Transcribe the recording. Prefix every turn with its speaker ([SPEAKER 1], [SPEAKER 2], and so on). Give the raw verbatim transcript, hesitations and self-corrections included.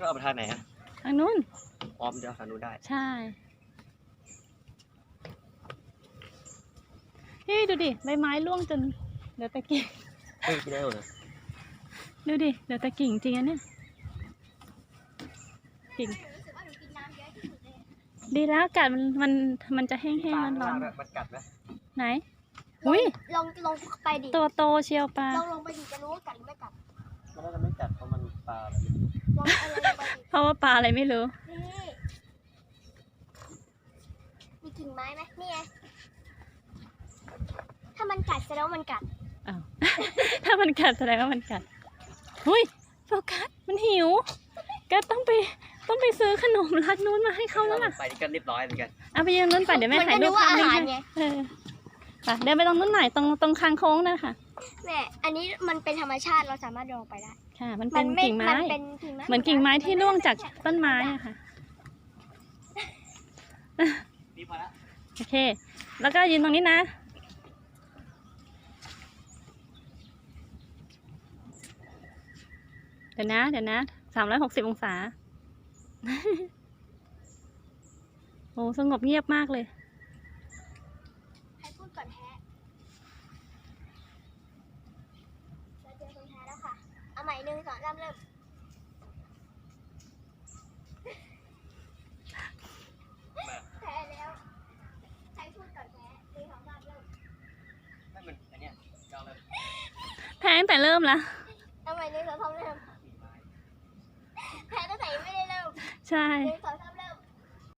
[SPEAKER 1] ก็เอาไปทางไหนอะ
[SPEAKER 2] ทางนู้น
[SPEAKER 1] ออมเดี๋ยวทางนู้นได้
[SPEAKER 2] ใช่พี่ดูดิใบไม้ร่วงจนเดี๋ยวตะกิ่ง
[SPEAKER 1] เฮ้ยไม่ได้เลย
[SPEAKER 2] ดูดิเดี๋ยวตะกิ่งจริงอันเนี้ยกิ่งดีแล้วกัดมันมันมันจะแห้งๆมันร้อน
[SPEAKER 1] มันกัดไหม
[SPEAKER 2] ไหนอุ้ย
[SPEAKER 3] ลองลองไปดิ
[SPEAKER 2] ตัวโตเชียวปลา
[SPEAKER 3] ลองลงไปดิจะรู้ว่ากัดหรือไม่กัด
[SPEAKER 1] มันน่าจะไม่กัดเพราะมันปลาอะไร
[SPEAKER 3] ลองอะไรลงไปดิ
[SPEAKER 2] เพราะว่าปลาอะไรไม่รู้
[SPEAKER 3] นี่มีกิ่งไม้ไหมนี่ไงถ้ามันกัดแสดงว่ามันกัด
[SPEAKER 2] อ้าว ถ้ามันกัดแสดงว่ามันกัดหุ้ยโฟกัสมันหิวก็ต้องไปต้องไปซื้อขนมร้านนู้นมาให้เขาแล้วล่ะ
[SPEAKER 1] ไปนี่ก็เรียบร้อยเหมือนกัน
[SPEAKER 2] เอาไปยืนนู้นไปเดี๋ยวแม่ถ่ายรูปภาพให้เออไปเดินไปตรงนู้นหน่อยตรงตรงคางโค้งนั่นค่ะ
[SPEAKER 3] แม่อันนี้มันเป็นธรรมชาติเราสามารถเดินออกไปได้
[SPEAKER 2] ค่ะมันเป็นกิ่งไม้เหมือนกิ่งไม้ที่ร่วงจากต้นไม้อะค่ะโอเคแล้วก็ยืนตรงนี้นะเดี๋ยวนะเดี๋ยวนะสามร้อยหกสิบองศาโอ้สงบเงียบมากเลย
[SPEAKER 3] ให้พูดก่อนแท้เราเจอคนแท้แล้วค่ะเอาใหม่หนึ่งสองสามเริ่มแพ้แล้วให้พูดก่อนแท้หนึ่งสองสามเริ่ม
[SPEAKER 1] ไม่เหมือนอันเนี้ยยาวเลย
[SPEAKER 2] แพ้ตั้งแต่เริ่มละ
[SPEAKER 3] เอาใหม่หนึ่งสองสามเริ่มแพ้ตั้งแต่ไม่ได้เริ่ม
[SPEAKER 2] ใช่
[SPEAKER 3] หนึ่งสองสาม